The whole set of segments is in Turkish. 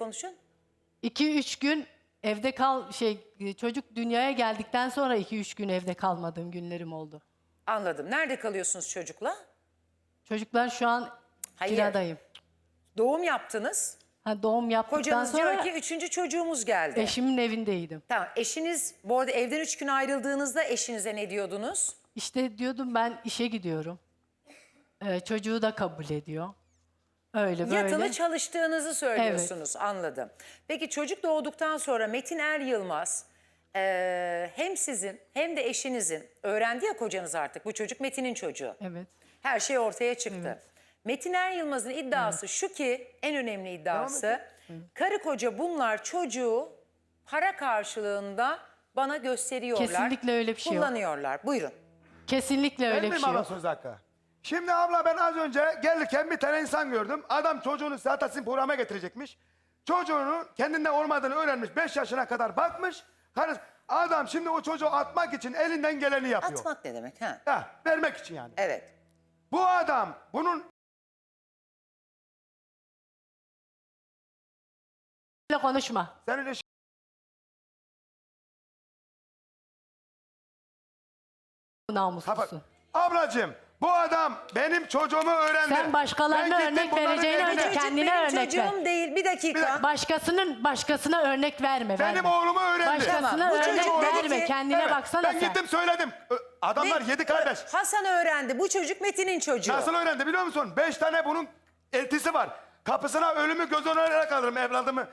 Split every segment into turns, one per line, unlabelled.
konuşun.
2-3 gün evde çocuk dünyaya geldikten sonra 2-3 gün evde kalmadığım günlerim oldu.
Anladım. Nerede kalıyorsunuz çocukla?
Çocuklar şu an
Hayır.
kiradayım.
Doğum yaptınız.
Doğum yaptıktan
Kocanız
sonra
diyor ki 3. çocuğumuz geldi.
eşimin evindeydim.
Tamam. Eşiniz bu arada evden 3 gün ayrıldığınızda eşinize ne diyordunuz?
İşte diyordum ben işe gidiyorum. Çocuğu da kabul ediyor. Öyle böyle.
Yatılı çalıştığınızı söylüyorsunuz. Anladım. Peki çocuk doğduktan sonra Metin Er Yılmaz hem sizin hem de eşinizin öğrendi ya kocanız artık bu çocuk Metin'in çocuğu.
Evet.
Her şey ortaya çıktı. Metin Er Yılmaz'ın iddiası şu ki en önemli iddiası karı koca bunlar çocuğu para karşılığında bana gösteriyorlar.
Kesinlikle öyle bir şey yok.
Kullanıyorlar. Buyurun.
Kesinlikle öyle bir şey
abla
yok.
söz hakkı. Şimdi abla ben az önce gelirken bir tane insan gördüm. Adam çocuğunu zaten sizin programa getirecekmiş. Çocuğunun kendinde olmadığını öğrenmiş. 5 yaşına kadar bakmış. Adam şimdi o çocuğu atmak için elinden geleni yapıyor.
Atmak ne demek? Ha?
Ya, vermek için yani.
Evet.
Bu adam bunun
Öyle konuşma.
senin eşin
Namuslusun.
ablacığım bu adam benim çocuğumu öğrendi.
Sen başkalarına
Ben gittim
örnek
bunların
vereceğine
evine-
önce
Çocuk
kendine
benim
örnek ver.
çocuğum değil. Bir dakika.
Başkasına örnek verme.
Benim
verme.
oğlumu öğrendi.
Başkasına
Tamam, bu
örnek
çocuk dedi
verme.
ki-
Kendine
Evet,
baksana
ben
sen.
gittim söyledim. Adamlar 7 kardeş.
Hasan öğrendi. Bu çocuk Metin'in çocuğu.
Nasıl öğrendi biliyor musun? 5 tane bunun eltisi var. Kapısına ölümü göz önüne kalırım evladımı.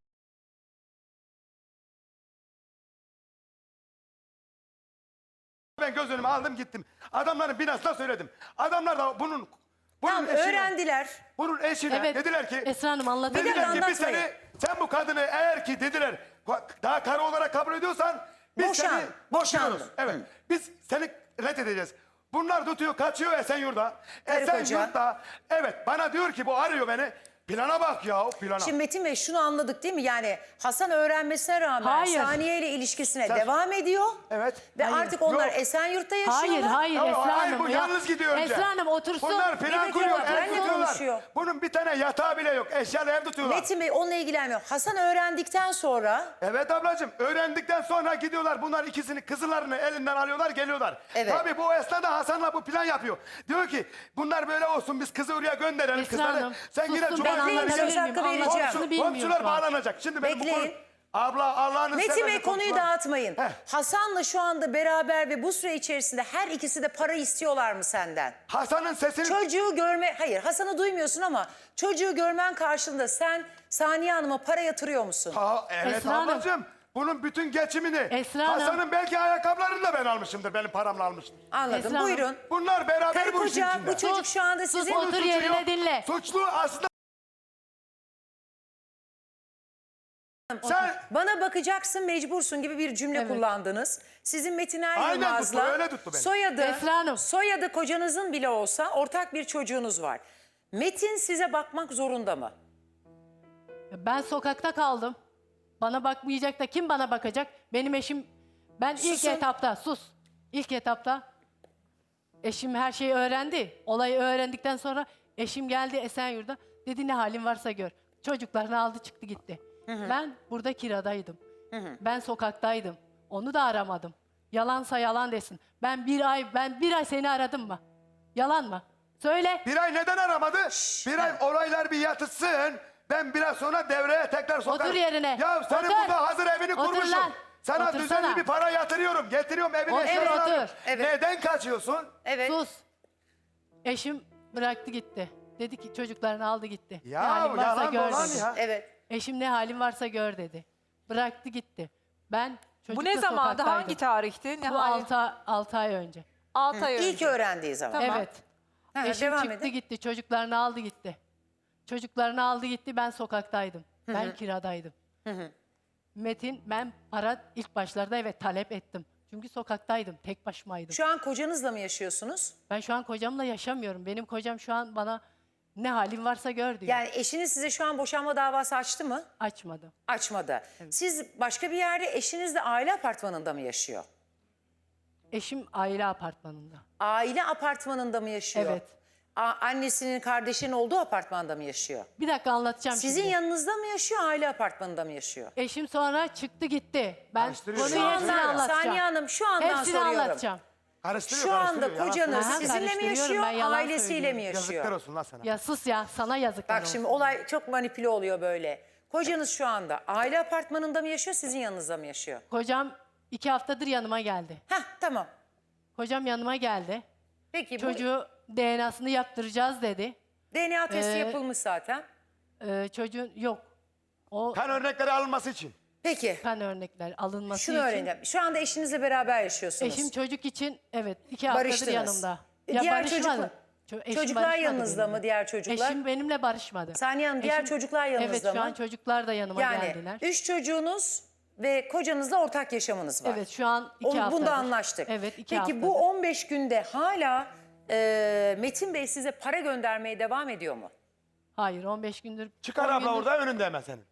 Ben göz önüme aldım gittim. Adamların binasına söyledim. Adamlar da bunun
Tamam
eşine,
öğrendiler.
bunun eşine
Evet.
dediler ki
Esra Hanım anlatabilir
Bir dakika,
dediler ki biz
anlatmayın.
sen bu kadını eğer ki dediler daha karı olarak kabul ediyorsan biz
Boşan,
seni
boşandım.
tutuyoruz. Evet. Biz seni reddedeceğiz. Bunlar tutuyor kaçıyor Esenyurt'ta.
Karı koca.
Esenyurt'ta evet bana diyor ki bu arıyor beni. Plana bak ya plana.
Şimdi Metin Bey şunu anladık değil mi? Yani Hasan öğrenmesine rağmen
Hayır.
Saniye ile ilişkisine
Sen-
devam ediyor.
Evet.
Ve
Hayır.
artık onlar
Yok.
Esenyurt'ta yaşıyorlar.
Hayır
Ya,
Esra
hayır,
Hanım.
bu
ya.
yalnız gidiyor önce.
Esra Hanım otursun.
Bunlar
Bir
plan
dakika
kuruyor,
bak,
ev
benle
tutuyorlar.
konuşuyor.
Bunun bir tane yatağı bile yok, eşyalı ev tutuyorlar.
Metin Bey onunla ilgilenmiyor. Hasan öğrendikten sonra
Evet ablacığım, öğrendikten sonra gidiyorlar, bunlar ikisini, kızlarını elinden alıyorlar, geliyorlar.
Evet.
Tabii bu esnada Hasan'la bu plan yapıyor. Diyor ki, bunlar böyle olsun, biz kızı oraya gönderelim
Esra
kızları.
Hanım,
Sen yine
susun,
cuma
ben
Bekleyin,
günleri
söz
gel.
hakkı vereceğim.
Komşular bağlanacak. Şimdi benim bu konu...
Bekleyin.
Abla Allah'ını
Metin
seversen
Bey konuyu
konuşma.
dağıtmayın.
Heh.
Hasan'la şu anda beraber ve bu süre içerisinde her ikisi de para istiyorlar mı senden?
Hasan'ın sesini...
Çocuğu hayır Hasan'ı duymuyorsun ama çocuğu görmen karşılığında sen Saniye Hanım'a para yatırıyor musun?
Evet
Esra Hanım.
ablacığım. Bunun bütün geçimini,
Esra Hanım.
Hasan'ın belki ayakkabılarını da ben almışımdır, benim paramla almıştım.
Anladım.
Esra Hanım.
Buyurun.
Bunlar beraber
Karı
bu işin
koca
içinde.
bu çocuk şu anda
sus,
sizin...
otur
Suçu
yerine
yok.
dinle.
Suçlu aslında... Sen...
Bana bakacaksın mecbursun gibi bir cümle
Evet.
kullandınız. Sizin Metin Er
Aynen
Yılmaz'la
tuttu, öyle tuttu beni.
Esra Hanım.
soyadı kocanızın bile olsa ortak bir çocuğunuz var. Metin size bakmak zorunda mı?
Ben sokakta kaldım. Bana bakmayacak da kim bana bakacak? Benim eşim, ben
Susun.
İlk etapta eşim her şeyi öğrendi. Olayı öğrendikten sonra eşim geldi Esenyurt'ta. Dedi ne halin varsa gör. Çocuklarını aldı çıktı gitti. Ben burada kiradaydım. Ben sokaktaydım. Onu da aramadım. Yalansa yalan desin. Ben bir ay seni aradım mı? Yalan mı? Söyle.
Bir ay neden aramadı? Bir ay olaylar bir yatışsın. Ben biraz sonra devreye tekrar sokarım.
Otur yerine.
Ya senin
Otur.
burada hazır evini
Otur
kurmuşum.
lan.
Sana
Otursana.
düzenli bir para yatırıyorum. Getiriyorum evine.
Otur,
eşyalarını
otur.
alıyorum.
Evet.
Neden kaçıyorsun?
Evet.
Sus. Eşim bıraktı gitti. Dedi ki çocuklarını aldı gitti.
Ya
ne halin varsa
yalan
gör
dolan
dedi.
ya.
Evet.
Eşim ne halin varsa gör dedi. Bıraktı gitti. Ben çocukla
Bu ne zamandı?
sokaktaydım.
Hangi tarihti? Ne
Bu
hali?
6 ay önce.
6 ay önce.
İlk öğrendiği zaman.
Tamam.
Evet.
Ha,
Eşim
devam
çıktı
edin.
gitti. Çocuklarını aldı gitti. Çocuklarını aldı gitti. Ben sokaktaydım. Ben kiradaydım. Metin ben para ilk başlarda evet talep ettim. Çünkü sokaktaydım. Tek başımaydım.
Şu an kocanızla mı yaşıyorsunuz?
Ben şu an kocamla yaşamıyorum. Benim kocam şu an bana ne halin varsa gör diyor.
Yani eşiniz size şu an boşanma davası açtı mı?
Açmadım.
Açmadı. Siz başka bir yerde eşiniz de aile apartmanında mı yaşıyor?
Eşim aile apartmanında.
Aile apartmanında mı yaşıyor?
Evet.
annesinin, kardeşinin olduğu apartmanda mı yaşıyor?
Bir dakika anlatacağım
Sizin
şimdi.
yanınızda mı yaşıyor, aile apartmanında mı yaşıyor?
Eşim sonra çıktı gitti. Ben
Karıştırıyor.
konuyu
Şu
hepsini
anda-
anlatacağım.
Saniye Hanım, şu andan
Hepsini
soruyorum.
anlatacağım.
Karıştırıyor,
Şu anda
karıştırıyor. Yalan
kocanız
Aha,
sizinle mi
karıştırıyorum,
yaşıyor,
ben yalan
ailesiyle mi
söylüyorum.
Yazıklar
yaşıyor?
olsun lan sana.
Ya sus ya, sana yazıklar
Bak
olsun.
şimdi olay çok manipüle oluyor böyle. Kocanız şu anda aile apartmanında mı yaşıyor, sizin yanınızda mı yaşıyor?
Kocam 2 haftadır yanıma geldi.
Heh, tamam.
Kocam yanıma geldi.
Peki bu
Çocuğu DNA'sını yaptıracağız dedi.
DNA testi yapılmış zaten.
Çocuğun yok. O
Kan örnekleri alınması için.
Peki
kan örnekler alınması
şunu
için.
öğrenelim. Şu anda eşinizle beraber yaşıyorsunuz.
Eşim çocuk için evet 2 haftadır
Barıştınız.
yanımda.
Diğer
barışmadı. Eşim
çocuklar
barışmadı
yanınızda
benimle.
mı, diğer çocuklar?
Eşim benimle barışmadı.
Saniye Hanım, diğer
Eşim-
çocuklar yanınızda
Evet şu
mı?
an çocuklar da yanıma
Yani
geldiler.
3 çocuğunuz ve kocanızla ortak yaşamınız var.
Evet şu an 2 haftadır.
Bunda anlaştık.
Evet 2
Peki
haftadır.
bu 15 günde hala Metin Bey size para göndermeye devam ediyor mu?
Hayır 15 gündür.
Çıkar
10
abla
gündür-
orada önünde hemen senin.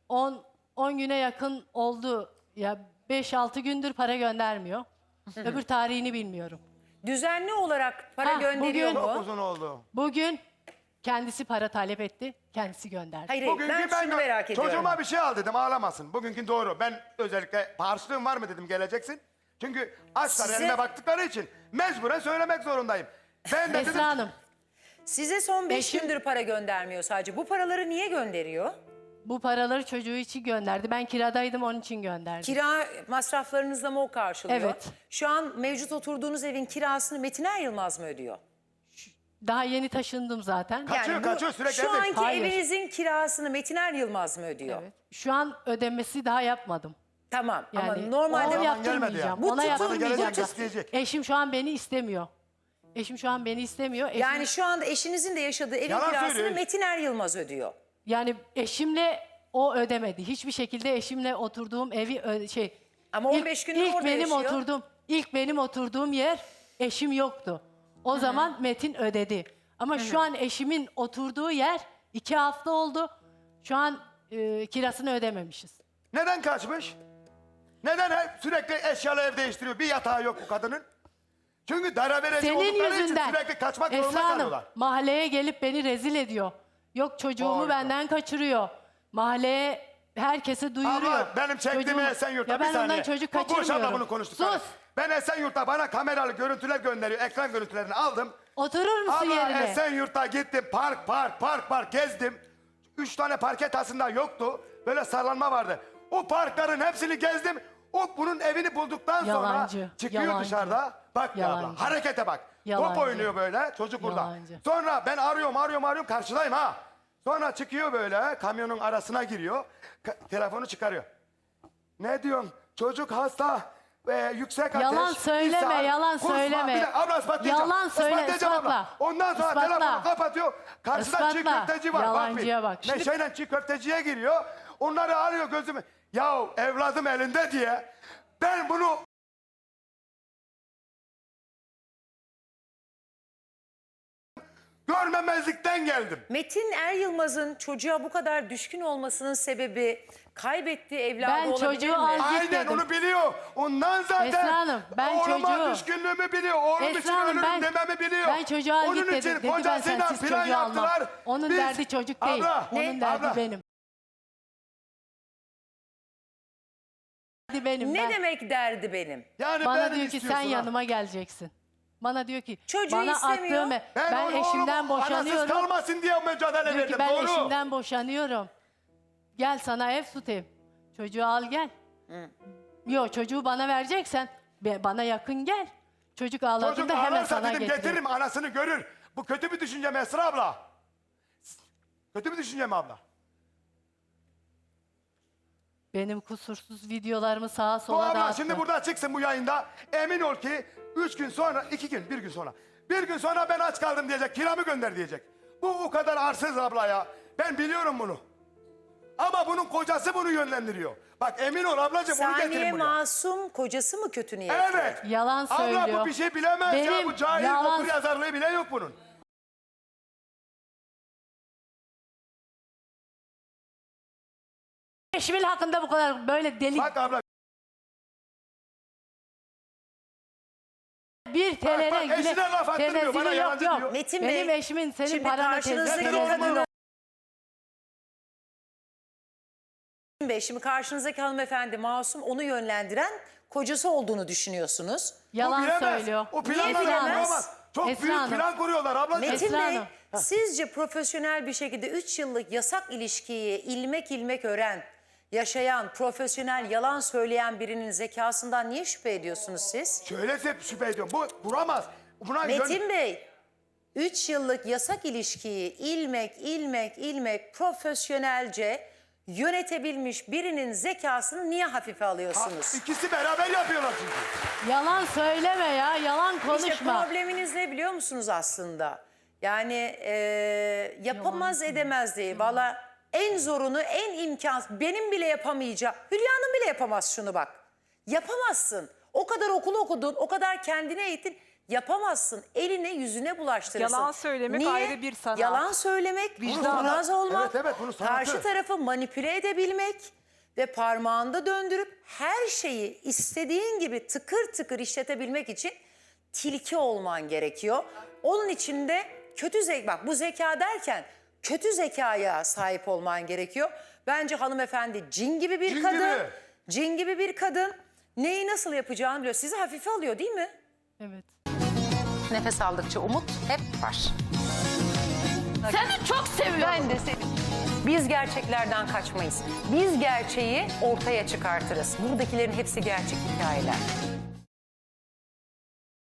10 güne yakın oldu. Ya 5-6 gündür para göndermiyor. Öbür tarihini bilmiyorum.
Düzenli olarak para
Ha,
gönderiyor
bugün-
Çok
mu?
uzun oldu.
Bugün kendisi para talep etti. Kendisi gönderdi.
Hayır,
Bugünkü
ben şunu merak ediyorum.
çocuğuma bir şey al dedim, ağlamasın. Bugünkü doğru. Ben özellikle harçlığın var mı dedim, geleceksin. Çünkü açlar
Size-
eline baktıkları için mecburen söylemek zorundayım. Ben de dedim
Esra Hanım
Size son 5
Eşim-
gündür para göndermiyor sadece. Bu paraları niye gönderiyor?
bu paraları çocuğu için gönderdi. Ben kiradaydım onun için gönderdi.
Kira masraflarınızla mı o karşılıyor?
Evet.
Şu an mevcut oturduğunuz evin kirasını Metin Er Yılmaz mı ödüyor?
Daha yeni taşındım zaten.
Kaçıyor, sürekli
Şu
evde.
anki
Hayır.
evinizin kirasını Metin Er Yılmaz mı ödüyor?
Evet. Şu an ödemesi daha yapmadım.
Tamam ama
Yani
normalde
ona
gelmedi
yaptırmayacağım.
ya.
Bu
Ona
tutum-
yaptırmayacağım.
gelecek,
da.
isteyecek.
Eşim şu an beni istemiyor. Eşim şu an beni istemiyor.
yani şu anda eşinizin de yaşadığı evin
Yalan
kirasını
söylüyor.
Metin Er Yılmaz ödüyor.
Yani eşimle o ödemedi. Hiçbir şekilde eşimle oturduğum evi
Ama 15 gündür orada
benim
yaşıyor.
ilk benim oturduğum yer eşim yoktu. O zaman Metin ödedi. Ama şu an eşimin oturduğu yer 2 hafta oldu. Şu an kirasını ödememişiz.
neden kaçmış? Neden hep sürekli eşyalı ev değiştiriyor? Bir yatağı yok bu kadının. Çünkü dara verici
Senin
oldukları için
yüzünden
sürekli kaçmak zorunda
Esra Hanım
kalıyorlar.
mahalleye gelip beni rezil ediyor. Yok çocuğumu
Harika.
benden kaçırıyor. Mahalleye herkese duyuruyor.
Abla benim çektiğimi
Çocuğumu-
Esenyurt'ta
Ya
bir
ben
saniye.
ondan çocuk
Bu Burç abla
kaçırmıyorum.
bunu konuştuk.
Sus.
Ben Esenyurt'ta bana kameralı görüntüler gönderiyor. Ekran görüntülerini aldım.
Oturur musun
Abla
yerine?
Esenyurt'ta gittim. Park gezdim. 3 tane parket aslında yoktu. Böyle sallanma vardı. O parkların hepsini gezdim. Bunun evini bulduktan
Yalancı,
sonra çıkıyor
yalancı.
dışarıda. Bak ya abla,
Yalancı.
harekete bak.
Yalancı.
Top oynuyor böyle çocuk burada.
Yalancı.
Sonra ben arıyorum karşıdayım ha. Sonra çıkıyor böyle kamyonun arasına giriyor. Telefonu çıkarıyor. Ne diyorsun? Çocuk hasta ve yüksek ateş.
Yalan söyleme,
ishal,
yalan
kusma.
söyleme.
Bir de abla ispatlayacağım.
Yalan söyle,
İspatlayacağım
ispatla.
abla. Ondan sonra
İspatla.
telefonu kapatıyor. Karşıda çiğ
İspatla.
köfteci var.
Yalancıya
Bak
bak.
bir.
Şimdi-
Neşeyle çiğ köfteciye giriyor. Onları arıyor gözümü. Ya evladım elinde diye. Ben bunu görmemezlikten geldim.
Metin Er Yılmaz'ın çocuğa bu kadar düşkün olmasının sebebi kaybettiği evladı
Ben
olabilir
çocuğu
mi?
al-
Aynen
gitmedim.
onu biliyor. Ondan zaten
Esra Hanım, ben
oğluma
çocuğu-
düşkünlüğümü biliyor. Oğlum
Esra
için
Hanım,
ölürüm
ben-
dememi biliyor.
Ben çocuğu al
Onun
git
için
dedim. Dedi ben
kocasıyla
sensiz
plan
çocuğu almam.
yaptılar.
Onun
Biz-
derdi çocuk değil.
Abla,
Onun derdi
abla.
benim. Derdi benim.
Ne
ben.
demek derdi benim?
Yani
Bana
benim
diyor ki sen
istiyorsun ha.
yanıma geleceksin. Bana diyor ki
Çocuğu
bana
istemiyor.
attığım
Ben,
ben eşimden
oğlum anasız
boşanıyorum.
kalmasın diye mücadele
Diyor
verdim.
ki ben
Doğru.
eşimden boşanıyorum. Gel sana ev tutayım. Çocuğu al gel. Yok çocuğu bana vereceksen bana yakın gel. Çocuk
Çocuk
ağladığında hemen
ağlarsa
sana
dedim
getiririm.
getiririm anasını görür. Bu kötü bir düşünce mi Esra abla? Kötü bir düşünce mi abla?
Benim kusursuz videolarımı sağa
Bu
sola
abla
dağıttı.
şimdi burada çıksın bu yayında. Emin ol ki 3 gün sonra, 2 gün, 1 gün sonra. 1 gün sonra ben aç kaldım diyecek, kiramı gönder diyecek. Bu o kadar arsız abla ya. Ben biliyorum bunu. Ama bunun kocası bunu yönlendiriyor. Bak emin ol ablacığım onu
Saniye
getirin buraya.
Masum kocası mı kötü niyetli?
Evet.
Yalan söylüyor.
Abla bu bir şey bilemez ya.
Benim
Bu cahil
yalan-
okur yazarlığı bile yok bunun.
Eşimin hakkında bu kadar böyle deli
Bak abla
bir TL'den
bak, eşine laf attırmıyor, bana
yok
yalancı
yok.
diyor.
Metin
Benim
Bey,
eşimin senin
şimdi
paranla
karşınızdaki
tezgah
Zaten
kadını...
olmaz.
Metin Bey, şimdi karşınızdaki hanımefendi masum, onu yönlendiren kocası olduğunu düşünüyorsunuz.
Yalan
bilemez.
söylüyor.
O
Niye
planları
bilemez?
kuramaz. Çok
Esra
büyük
Hanım.
plan kuruyorlar ablacığım.
Metin
Esra
Bey,
Hanım.
sizce profesyonel bir şekilde 3 yıllık yasak ilişkiyi ilmek ilmek yaşayan, profesyonel yalan söyleyen birinin zekasından niye şüphe ediyorsunuz siz?
Şöyle şüphe ediyorum. Bu kuramaz. Buna
Metin Bey, 3 yıllık yasak ilişkiyi ilmek profesyonelce yönetebilmiş birinin zekasını niye hafife alıyorsunuz?
İkisi beraber yapıyorlar çünkü.
Yalan söyleme ya. Yalan
İşte
konuşma.
probleminiz ne biliyor musunuz aslında? Yani yapamaz edemez değil. Valla en zorunu, en imkansız, benim bile yapamayacağım. Hülya'nın bile yapamaz şunu bak. Yapamazsın. O kadar okul okudun, o kadar kendine eğitin. Yapamazsın. Eline yüzüne bulaştırırsın.
Yalan söylemek
Niye?
ayrı bir sanat.
Yalan söylemek, vicdanaz
sanat.
olmak,
Evet, bunun sanatı.
karşı tarafı manipüle edebilmek ve parmağında döndürüp her şeyi istediğin gibi tıkır tıkır işletebilmek için tilki olman gerekiyor. Onun için de kötü zeka, bak bu zeka derken kötü zekaya sahip olman gerekiyor. Bence hanımefendi cin gibi bir
Cin
kadın.
gibi.
Cin gibi bir kadın. Neyi nasıl yapacağını biliyor. Sizi hafife alıyor değil mi?
Evet.
Nefes aldıkça umut hep var.
Seni çok seviyorum.
Ben de seni. Biz gerçeklerden kaçmayız. Biz gerçeği ortaya çıkartırız. Buradakilerin hepsi gerçek hikayeler.